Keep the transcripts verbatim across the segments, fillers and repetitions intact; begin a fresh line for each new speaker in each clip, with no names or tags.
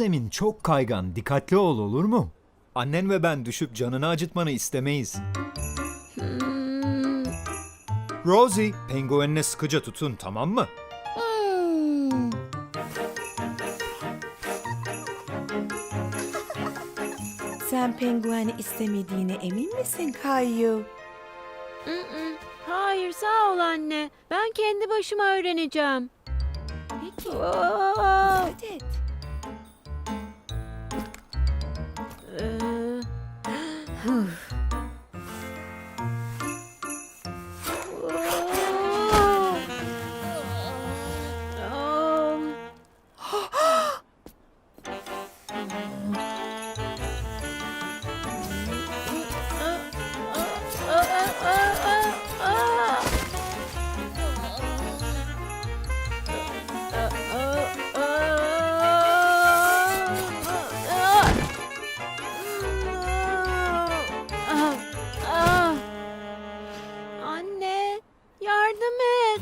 zemin çok kaygan. Dikkatli ol, olur mu? Annen ve ben düşüp canını acıtmanı istemeyiz.
Hmm.
Rosie, penguenine sıkıca tutun, tamam mı?
Hmm.
Sen pengueni istemediğine emin misin Kayu?
Mm-mm. Hayır, sağ ol anne. Ben kendi başıma öğreneceğim.
Peki.
Oo.
Dikkat et.
Ee, huh. Oo. Um. Anne, yardım et.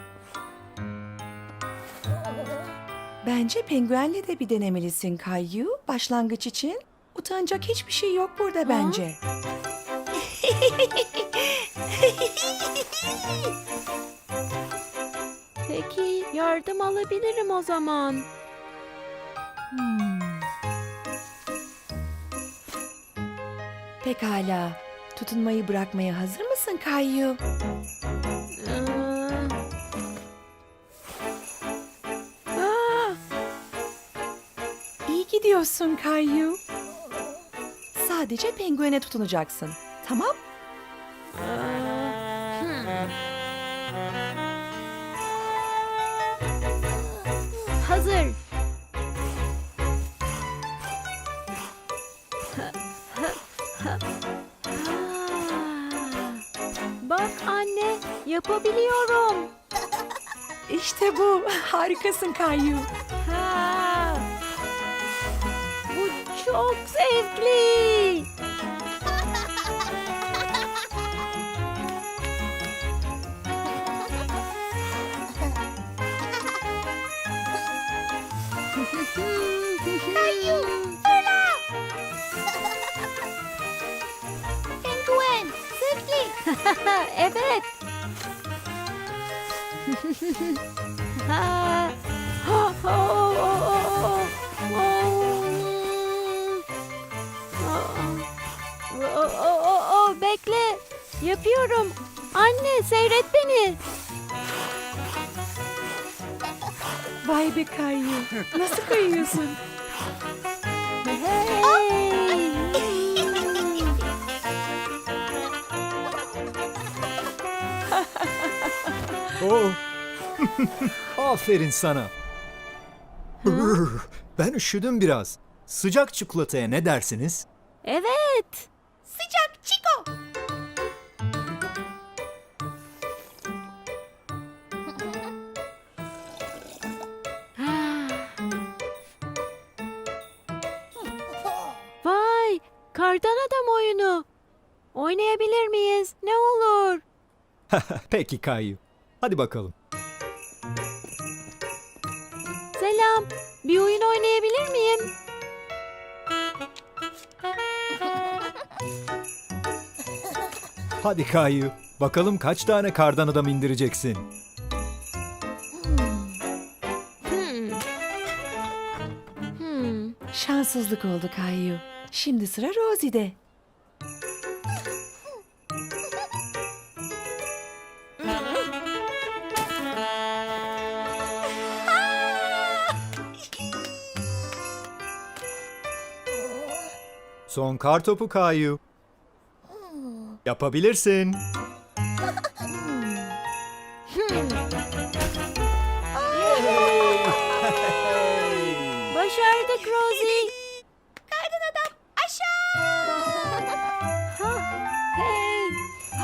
Bence penguenle de bir denemelisin Kayu. Başlangıç için utanacak hiçbir şey yok burada bence.
Peki, yardım alabilirim o zaman.
Hmm. Pekala. Tutunmayı bırakmaya hazır mısın Kayu?
Ee, Aa,
İyi gidiyorsun Kayu. Sadece penguene tutunacaksın. Tamam?
aa, hmm. Hazır. Aa, Bak anne, yapabiliyorum.
İşte bu. Harikasın Kayu.
Ha. Bu çok zevkli.
Kayu, fırla! Penguen, zıpli!
Evet. Ha. Oh, oh, oh, oh, oh. Oh, oh, oh, oh, bekle. Yapıyorum. Anne, seyret beni.
Vay be Kayu. Nasıl kayıyorsun?
Hey.
Oh. Aferin sana. Ben üşüdüm biraz. Sıcak çikolataya ne dersiniz?
Evet.
Sıcak çiko!
Vay, kardan adam oyunu. Oynayabilir miyiz? Ne olur.
Peki Kayu. Hadi bakalım.
Selam. Bir oyun oynayabilir miyim?
Hadi Kayu. Bakalım kaç tane kardan adam indireceksin?
Hmm. Hmm.
Şanssızlık oldu Kayu. Şimdi sıra Rosie'de.
Son kar topu Kayu. Yapabilirsin.
Başardık Rosie.
Kardan adam aşağı!
Ha, hey.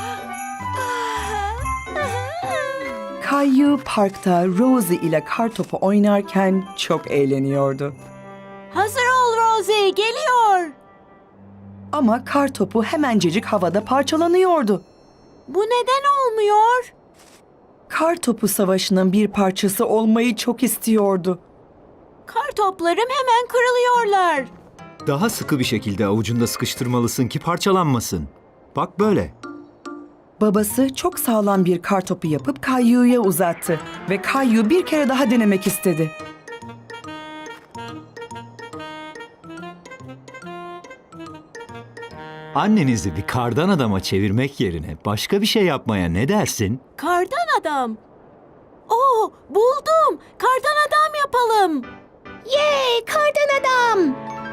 Kayu parkta Rosie ile kartopu oynarken çok eğleniyordu.
Hazır ol Rosie, geliyor.
Ama kartopu hemencecik havada parçalanıyordu.
Bu neden olmuyor?
Kartopu savaşının bir parçası olmayı çok istiyordu.
Kar toplarım hemen kırılıyorlar.
Daha sıkı bir şekilde avucunda sıkıştırmalısın ki parçalanmasın. Bak böyle.
Babası çok sağlam bir kar topu yapıp Kayyu'ya uzattı ve Kayyu bir kere daha denemek istedi.
Annenizi bir kardan adama çevirmek yerine başka bir şey yapmaya ne dersin?
Kardan adam. Oo, buldum. Kardan adam yapalım.
Yay, kardan adam.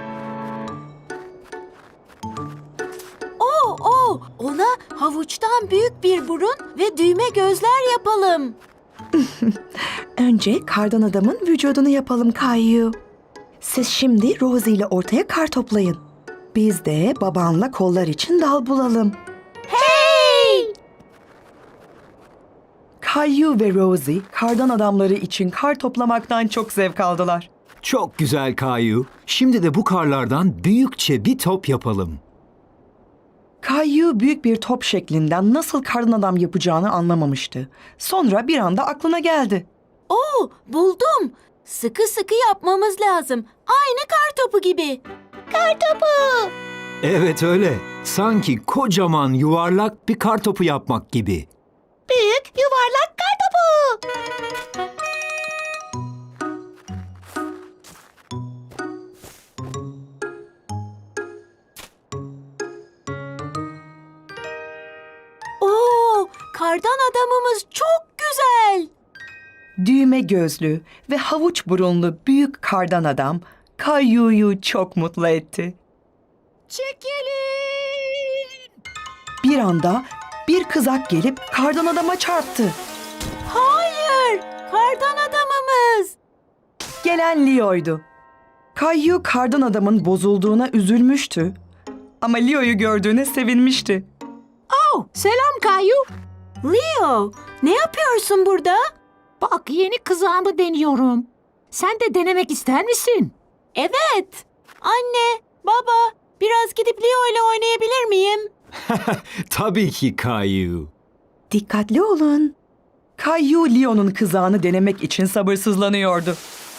Oo, oo, ona havuçtan büyük bir burun ve düğme gözler yapalım.
Önce kardan adamın vücudunu yapalım Kayyu. Siz şimdi Rosie ile ortaya kar toplayın. Biz de babanla kollar için dal bulalım.
Hey!
Kayyu ve Rosie kardan adamları için kar toplamaktan çok zevk aldılar.
Çok güzel Kayu. Şimdi de bu karlardan büyükçe bir top yapalım.
Kayyu büyük bir top şeklinden nasıl kardan adam yapacağını anlamamıştı. Sonra bir anda aklına geldi.
Oo, buldum. Sıkı sıkı yapmamız lazım. Aynı kar topu gibi.
Kar topu.
Evet öyle. Sanki kocaman yuvarlak bir kar topu yapmak gibi.
Büyük yuvarlak kar topu.
Oo, kardan adamımız çok güzel.
Düğme gözlü ve havuç burunlu büyük kardan adam Kayyu'yu çok mutlu etti.
Çekilin.
Bir anda bir kızak gelip kardan adama çarptı.
Hayır, kardan adamımız.
Gelen Leo'ydu. Kayyu kardan adamın bozulduğuna üzülmüştü. Ama Leo'yu gördüğüne sevinmişti.
Oh, selam Kayu.
Leo, ne yapıyorsun burada?
Bak yeni kızağımı deniyorum. Sen de denemek ister misin?
Evet. Anne, baba, biraz gidip Leo ile oynayabilir miyim?
Tabii ki Kayu.
Dikkatli olun. Kayyu Leo'nun kızağını denemek için sabırsızlanıyordu.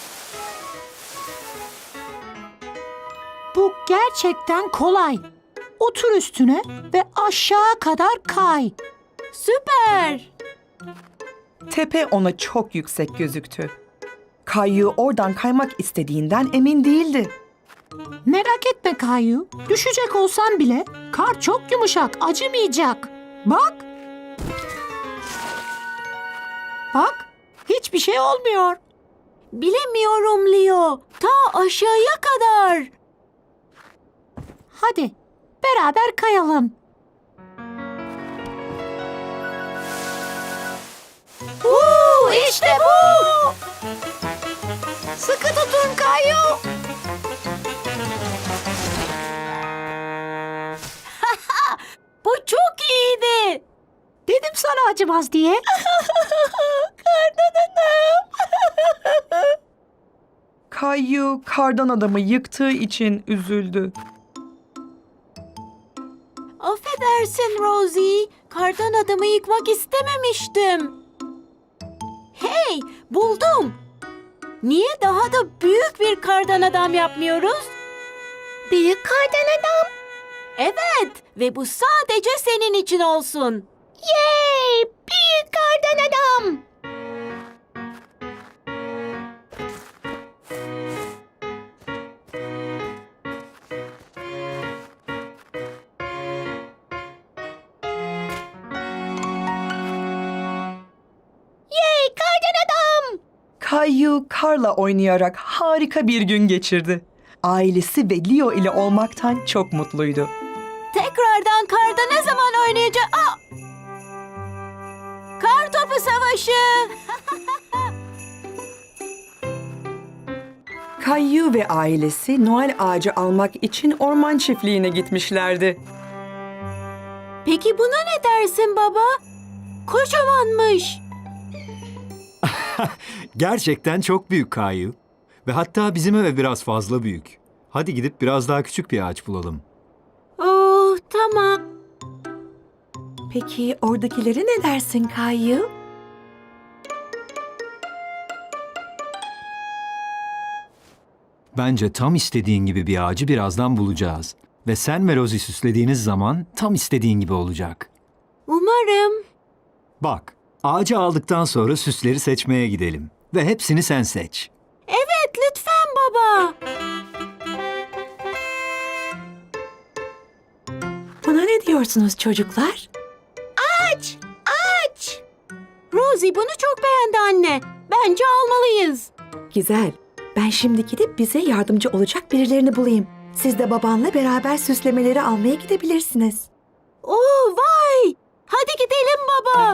Bu gerçekten kolay. Otur üstüne ve aşağı kadar kay.
Süper.
Tepe ona çok yüksek gözüktü. Kayyu oradan kaymak istediğinden emin değildi.
Merak etme Kayu. Düşecek olsan bile kar çok yumuşak, acımayacak. Bak. Bak, hiçbir şey olmuyor.
Bilemiyorum Leo. Ta aşağıya kadar.
Hadi beraber kayalım.
Uuu, işte bu.
Sıkı tutun Kayu.
Bu çok iyiydi.
Dedim sana acımaz diye.
Kayyu kardan adamı yıktığı için üzüldü.
Affedersin Rosie. Kardan adamı yıkmak istememiştim. Hey, buldum. Niye daha da büyük bir kardan adam yapmıyoruz?
Büyük kardan adam.
Evet, ve bu sadece senin için olsun.
Yay, büyük kardan adam. Yay, kardan adam.
Kayyu karla oynayarak harika bir gün geçirdi. Ailesi ve Leo ile olmaktan çok mutluydu.
Tekrardan karda ne zaman oynayacağız? Aa! Kar topu savaşı.
Kayyu ve ailesi Noel ağacı almak için orman çiftliğine gitmişlerdi.
Peki buna ne dersin baba? Kocamanmış.
Gerçekten çok büyük Kayu. Ve hatta bizim eve biraz fazla büyük. Hadi gidip biraz daha küçük bir ağaç bulalım.
Oh, tamam.
Peki oradakileri ne dersin Kayyu?
Bence tam istediğin gibi bir ağacı birazdan bulacağız. Ve sen ve Rosie süslediğiniz zaman tam istediğin gibi olacak.
Umarım.
Bak, ağacı aldıktan sonra süsleri seçmeye gidelim. Ve hepsini sen seç.
Evet, lütfen baba.
Buna ne diyorsunuz çocuklar?
Aç, aç.
Rosie bunu çok beğendi anne. Bence almalıyız.
Güzel. Ben şimdi gidip bize yardımcı olacak birilerini bulayım. Siz de babanla beraber süslemeleri almaya gidebilirsiniz.
Oo, vay! Hadi gidelim baba.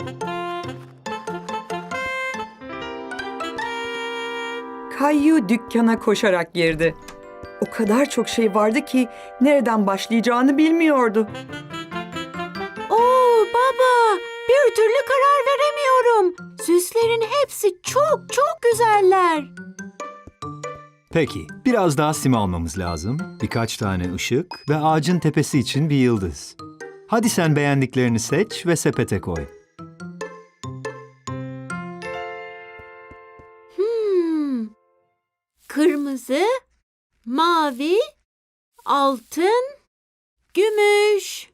Kayyu dükkana koşarak girdi. O kadar çok şey vardı ki nereden başlayacağını bilmiyordu.
Oo baba, bir türlü karar veremiyorum. Süslerin hepsi çok çok güzeller.
Peki, biraz daha sim almamız lazım. Birkaç tane ışık ve ağacın tepesi için bir yıldız. Hadi sen beğendiklerini seç ve sepete koy.
Hmm. Kırmızı, mavi, altın, gümüş.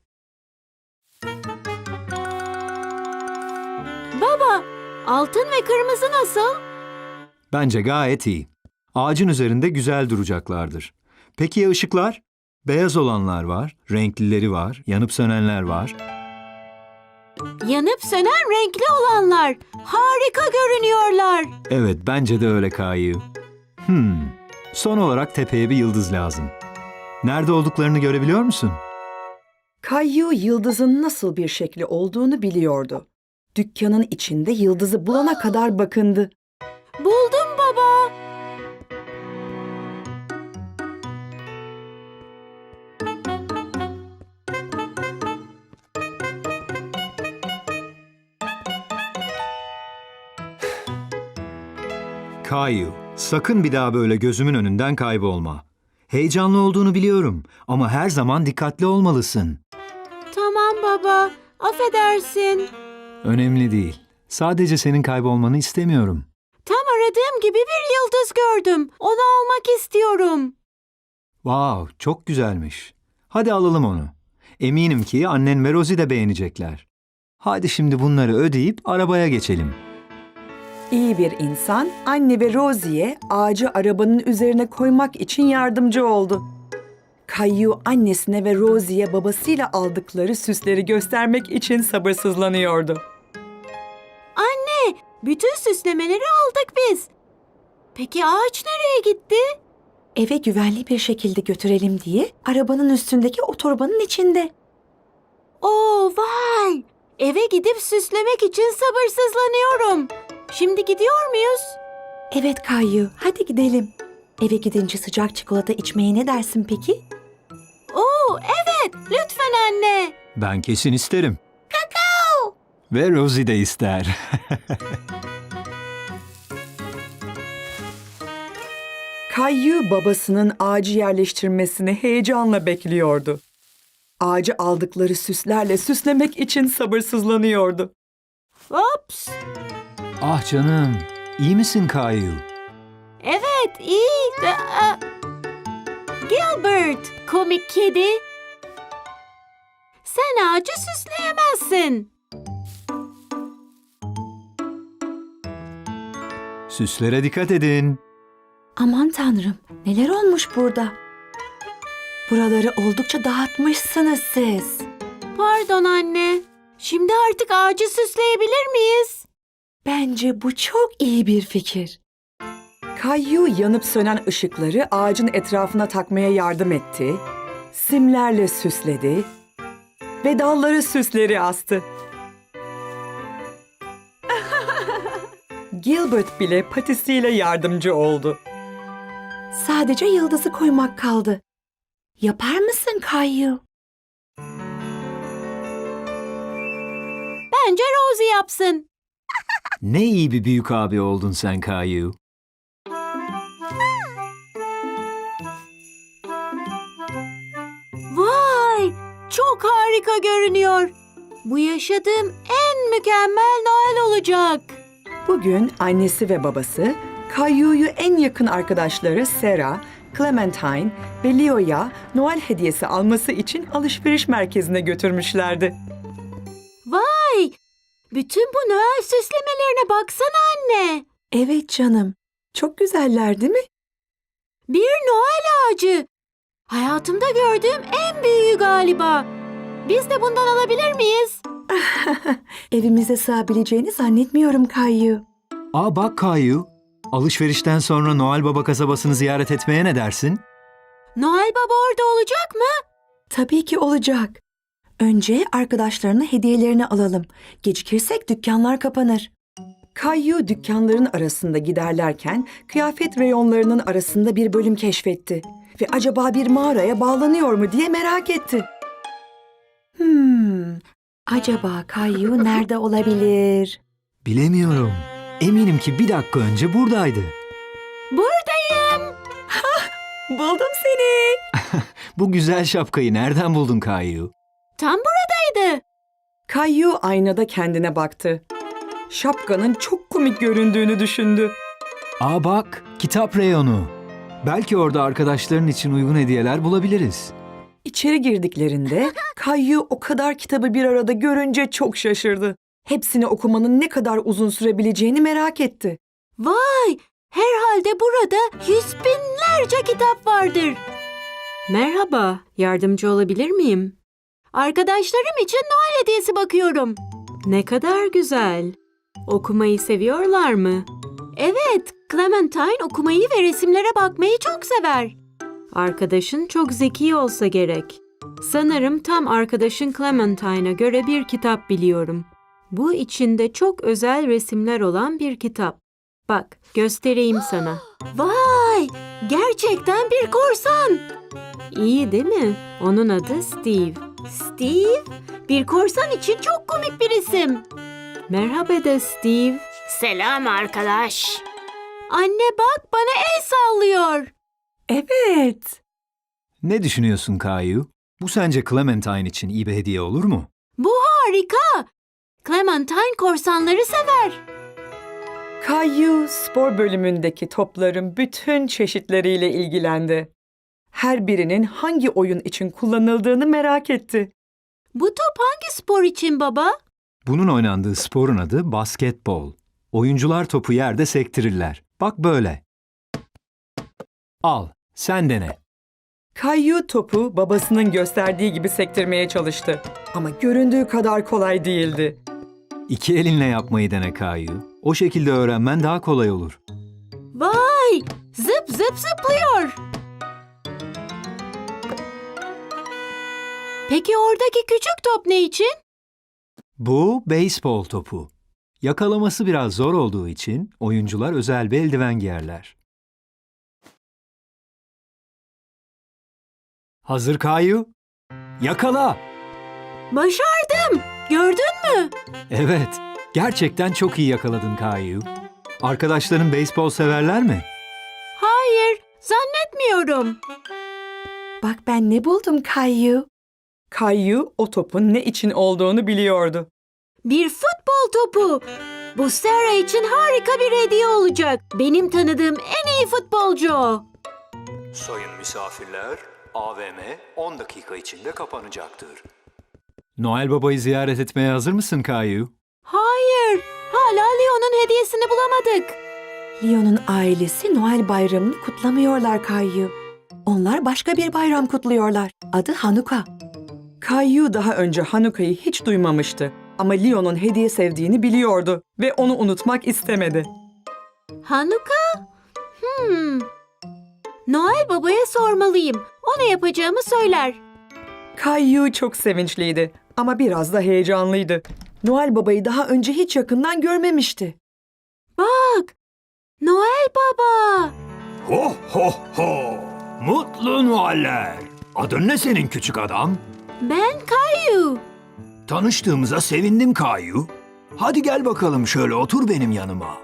Baba, altın ve kırmızı nasıl?
Bence gayet iyi. Ağacın üzerinde güzel duracaklardır. Peki ya ışıklar? Beyaz olanlar var, renklileri var, yanıp sönenler var.
Yanıp sönen renkli olanlar. Harika görünüyorlar.
Evet, bence de öyle Kayu. Hmm, son olarak tepeye bir yıldız lazım. Nerede olduklarını görebiliyor musun?
Kayyu yıldızın nasıl bir şekli olduğunu biliyordu. Dükkanın içinde yıldızı bulana kadar bakındı.
Buldum baba.
Kayu, sakın bir daha böyle gözümün önünden kaybolma. Heyecanlı olduğunu biliyorum ama her zaman dikkatli olmalısın.
Tamam baba. Affedersin.
Önemli değil. Sadece senin kaybolmanı istemiyorum.
Tam aradığım gibi bir yıldız gördüm. Onu almak istiyorum.
Wow, çok güzelmiş. Hadi alalım onu. Eminim ki annen ve Rosie de beğenecekler. Hadi şimdi bunları ödeyip arabaya geçelim.
İyi bir insan anne ve Rosie'ye ağacı arabanın üzerine koymak için yardımcı oldu. Kayyu annesine ve Rosie'ye babasıyla aldıkları süsleri göstermek için sabırsızlanıyordu.
Anne, bütün süslemeleri aldık biz. Peki ağaç nereye gitti?
Eve güvenli bir şekilde götürelim diye arabanın üstündeki otobanın içinde.
Oo, vay! Eve gidip süslemek için sabırsızlanıyorum. Şimdi gidiyor muyuz?
Evet Kayyu, hadi gidelim. Eve gidince sıcak çikolata içmeye ne dersin peki?
Oo, evet, lütfen anne.
Ben kesin isterim. Kakao! Ve Rosie de ister.
Kayyu babasının ağacı yerleştirmesini heyecanla bekliyordu. Ağacı aldıkları süslerle süslemek için sabırsızlanıyordu.
Ops.
Ah canım, iyi misin Kayu?
Evet, iyi. de- a- Gilbert, komik kedi. Sen ağacı süsleyemezsin.
Süslere dikkat edin.
Aman tanrım, neler olmuş burada? Buraları oldukça dağıtmışsınız siz.
Pardon anne. Şimdi artık ağacı süsleyebilir miyiz?
Bence bu çok iyi bir fikir. Kayyu yanıp sönen ışıkları ağacın etrafına takmaya yardım etti, simlerle süsledi ve dalları süsleri astı. Gilbert bile patisiyle yardımcı oldu. Sadece yıldızı koymak kaldı. Yapar mısın Kayyu?
Bence Rosie yapsın.
Ne iyi bir büyük abi oldun sen Kayu.
Vay! Çok harika görünüyor. Bu yaşadığım en mükemmel Noel olacak.
Bugün annesi ve babası Caillou'yu en yakın arkadaşları Sarah, Clementine ve Leo'ya Noel hediyesi alması için alışveriş merkezine götürmüşlerdi.
Vay! Bütün bu Noel süslemelerine baksana anne.
Evet canım, çok güzeller değil mi?
Bir Noel ağacı. Hayatımda gördüğüm en büyüğü galiba. Biz de bundan alabilir miyiz?
Evimize sığabileceğini zannetmiyorum Caillou.
Aa bak Kayu, alışverişten sonra Noel Baba kasabasını ziyaret etmeye ne dersin?
Noel Baba orada olacak mı?
Tabii ki olacak. Önce arkadaşlarına hediyelerini alalım. Gecikirsek dükkanlar kapanır. Caillou dükkanların arasında giderlerken kıyafet reyonlarının arasında bir bölüm keşfetti. Ve acaba bir mağaraya bağlanıyor mu diye merak etti. Hmm, acaba Caillou nerede olabilir?
Bilemiyorum. Eminim ki bir dakika önce buradaydı.
Buradayım.
Buldum seni.
Bu güzel şapkayı nereden buldun Kayu?
Tam buradaydı.
Caillou aynada kendine baktı. Şapkanın çok komik göründüğünü düşündü.
Aa bak, kitap reyonu. Belki orada arkadaşların için uygun hediyeler bulabiliriz.
İçeri girdiklerinde Caillou o kadar kitabı bir arada görünce çok şaşırdı. Hepsini okumanın ne kadar uzun sürebileceğini merak etti.
Vay! Herhalde burada yüz binlerce kitap vardır. Merhaba, yardımcı olabilir miyim? Arkadaşlarım için Noel hediyesi bakıyorum. Ne kadar güzel. Okumayı seviyorlar mı? Evet, Clementine okumayı ve resimlere bakmayı çok sever. Arkadaşın çok zeki olsa gerek. Sanırım tam arkadaşın Clementine'a göre bir kitap biliyorum. Bu içinde çok özel resimler olan bir kitap. Bak, göstereyim sana. Vay! Gerçekten bir korsan. İyi değil mi? Onun adı Steve. Steve? Bir korsan için çok komik bir isim. Merhaba de Steve.
Selam arkadaş.
Anne bak bana el sallıyor.
Evet.
Ne düşünüyorsun Kayu? Bu sence Clementine için iyi bir hediye olur mu?
Bu harika. Clementine korsanları sever.
Caillou spor bölümündeki topların bütün çeşitleriyle ilgilendi. Her birinin hangi oyun için kullanıldığını merak etti.
Bu top hangi spor için baba?
Bunun oynandığı sporun adı basketbol. Oyuncular topu yerde sektirirler. Bak böyle. Al, sen dene.
Caillou topu babasının gösterdiği gibi sektirmeye çalıştı. Ama göründüğü kadar kolay değildi.
İki elinle yapmayı dene Kayu. O şekilde öğrenmen daha kolay olur.
Vay! Zıp zıp zıplıyor. Peki oradaki küçük top ne için?
Bu beyzbol topu. Yakalaması biraz zor olduğu için oyuncular özel bir eldiven giyerler. Hazır Kayu? Yakala!
Başardım. Gördün mü?
Evet, gerçekten çok iyi yakaladın Kayu. Arkadaşların beyzbol severler mi?
Hayır, zannetmiyorum.
Bak ben ne buldum Caillou. Caillou o topun ne için olduğunu biliyordu.
Bir futbol topu. Bu Sarah için harika bir hediye olacak. Benim tanıdığım en iyi futbolcu o.
Sayın misafirler, A V M on dakika içinde kapanacaktır. Noel Baba'yı ziyaret etmeye hazır mısın Kayu?
Hayır, hala Leo'nun hediyesini bulamadık.
Leo'nun ailesi Noel bayramını kutlamıyorlar Caillou. Onlar başka bir bayram kutluyorlar. Adı Hanuka. Caillou daha önce Hanuka'yı hiç duymamıştı. Ama Leo'nun hediye sevdiğini biliyordu ve onu unutmak istemedi.
Hanuka? Hmm. Noel Baba'ya sormalıyım. O ne yapacağımı söyler.
Caillou çok sevinçliydi ama biraz da heyecanlıydı. Noel Baba'yı daha önce hiç yakından görmemişti.
Bak, Noel Baba.
Ho ho ho! Mutlu Noeller! Adın ne senin küçük adam?
Ben Caillou.
Tanıştığımıza sevindim Kayu. Hadi gel bakalım şöyle otur benim yanıma.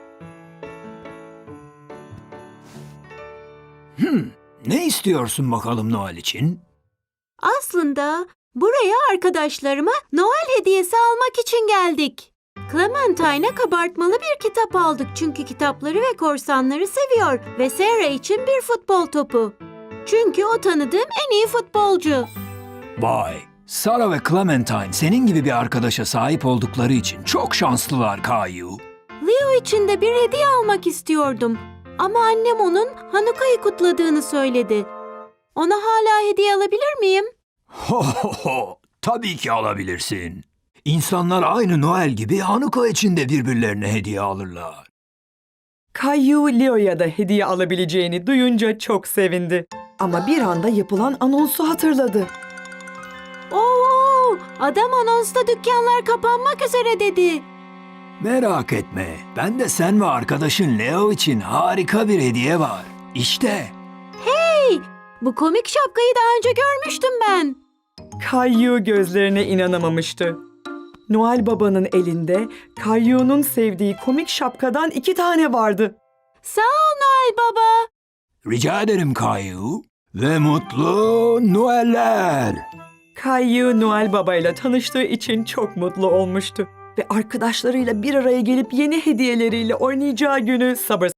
Hmm, ne istiyorsun bakalım Noel için?
Aslında buraya arkadaşlarıma Noel hediyesi almak için geldik. Clementine'e kabartmalı bir kitap aldık çünkü kitapları ve korsanları seviyor ve Sarah için bir futbol topu. Çünkü o tanıdığım en iyi futbolcu.
Vay, Sarah ve Clementine senin gibi bir arkadaşa sahip oldukları için çok şanslılar Kayu.
Leo için de bir hediye almak istiyordum. Ama annem onun Hanuka'yı kutladığını söyledi. Ona hala hediye alabilir miyim?
Ho ho ho, tabii ki alabilirsin. İnsanlar aynı Noel gibi Hanuka için de birbirlerine hediye alırlar.
Kayu Leo'ya da hediye alabileceğini duyunca çok sevindi. Ama bir anda yapılan anonsu hatırladı.
Oo, adam anonsta dükkanlar kapanmak üzere dedi.
Merak etme, ben de sen ve arkadaşın Leo için harika bir hediye var. İşte.
Bu komik şapkayı daha önce görmüştüm ben.
Kayu gözlerine inanamamıştı. Noel Baba'nın elinde Kayu'nun sevdiği komik şapkadan iki tane vardı.
Sağ ol Noel Baba.
Rica ederim Kayu. Ve mutlu Noeller.
Kayu Noel Baba ile tanıştığı için çok mutlu olmuştu. Ve arkadaşlarıyla bir araya gelip yeni hediyeleriyle oynayacağı günü sabırsızlanmıştı.